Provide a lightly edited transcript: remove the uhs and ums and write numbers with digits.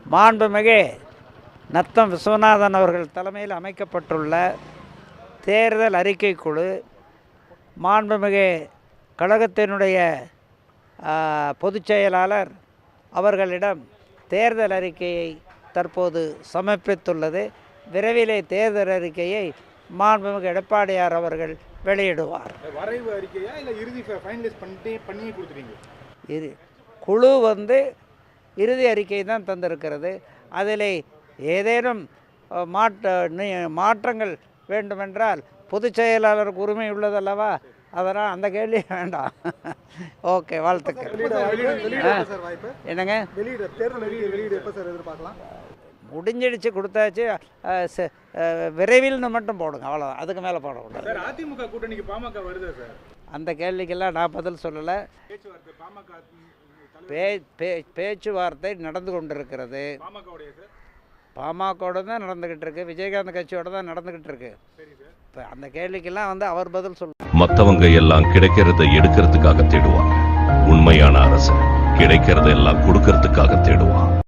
மாண்புமிகு நத்தம் விஸ்வநாதன் அவர்கள் தலைமையில் அமைக்கப்பட்டுள்ள தேர்தல் அறிக்கை குழு மாண்புமிகு கழகத்தினுடைய பொதுச் செயலாளர் அவர்களிடம் தேர்தல் அறிக்கையை தற்போது சமர்ப்பித்துள்ளது. விரைவிலே தேர்தல் அறிக்கையை மாண்புமிகு எடப்பாடியார் அவர்கள் வெளியிடுவார். வரைவு அறிக்கையா இல்லை இறுதி ஃபைனலைஸ் பண்ணி கொடுத்துட்டீங்க? குழு இறுதி அறிக்கை தான் தந்திருக்கிறது. அதில் ஏதேனும் மாற்றங்கள் வேண்டுமென்றால் பொதுச் செயலாளருக்கு உரிமை உள்ளதல்லவா, அதனால் அந்த கேள்வி வேண்டாம். ஓகே, வாழ்த்துக்கள். என்னங்க முடிஞ்சிடுச்சு, கொடுத்தாச்சு. விரைவில்னு மட்டும் போடுங்க, அவ்வளோதான். அதுக்கு மேலே போடக்கூடாது. அதிமுக கூட்டணிக்கு பாமக வருது சார். அந்த கேள்விக்கெல்லாம் நான் பதில் சொல்லலை. பேச்சுவார்த்தை நடந்து கொண்டிருக்கிறது. பாமகவோட தான் நடந்துக்கிட்டு இருக்கு, விஜயகாந்த் கட்சியோட தான் நடந்துக்கிட்டு இருக்கு. இப்போ அந்த கேள்விக்கெல்லாம் அவர் பதில் சொல்லுவாங்க. மற்றவங்க எல்லாம் கிடைக்கிறத எடுக்கிறதுக்காக தேடுவாங்க. உண்மையான அரசு கிடைக்கிறதெல்லாம் கொடுக்கறதுக்காக தேடுவான்.